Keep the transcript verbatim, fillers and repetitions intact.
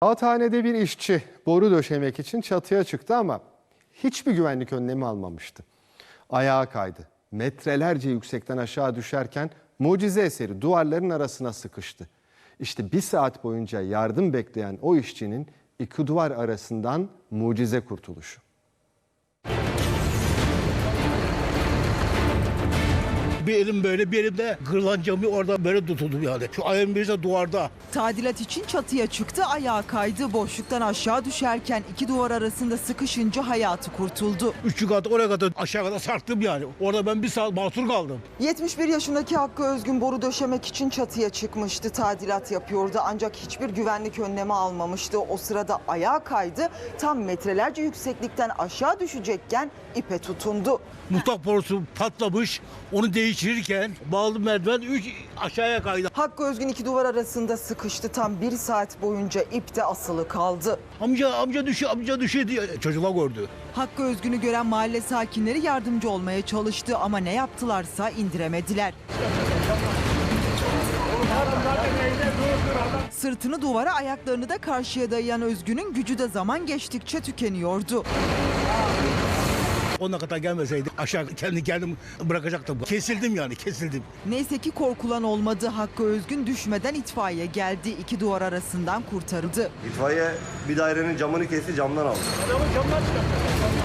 Kağıthanede bir işçi boru döşemek için çatıya çıktı ama hiçbir güvenlik önlemi almamıştı. Ayağa kaydı. Metrelerce yüksekten aşağı düşerken mucize eseri duvarların arasına sıkıştı. İşte bir saat boyunca yardım bekleyen o işçinin iki duvar arasından mucize kurtuluşu. Bir elim böyle, bir elimde kırılan camı orada böyle tutuldu yani. Şu ayağım birisi de duvarda. Tadilat için çatıya çıktı, ayağa kaydı. Boşluktan aşağı düşerken iki duvar arasında sıkışınca hayatı kurtuldu. Üçü kat oraya kadar aşağı kadar sarktım yani. Orada ben bir saat mahsur kaldım. yetmiş bir yaşındaki Hakkı Özgün boru döşemek için çatıya çıkmıştı. Tadilat yapıyordu ancak hiçbir güvenlik önlemi almamıştı. O sırada ayağa kaydı. Tam metrelerce yükseklikten aşağı düşecekken ipe tutundu. Mutfak borusu patlamış. Onu değiştirirken bağlı merdiven üç aşağıya kaydı. Hakkı Özgün iki duvar arasında sıkıştı. Tam bir saat boyunca ipte asılı kaldı. Amca amca düşüyor, amca düşüyor diye çocuklar gördü. Hakkı Özgün'ü gören mahalle sakinleri yardımcı olmaya çalıştı ama ne yaptılarsa indiremediler. Sırtını duvara, ayaklarını da karşıya dayayan Özgün'ün gücü de zaman geçtikçe tükeniyordu. Ona kadar gelmeseydi aşağı kendi kendim bırakacaktım. Kesildim yani, kesildim. Neyse ki korkulan olmadı. Hakkı Özgün düşmeden itfaiye geldi. İki duvar arasından kurtarıldı. İtfaiye bir dairenin camını kesti, camdan aldı. Adamı camdan çıkarttı.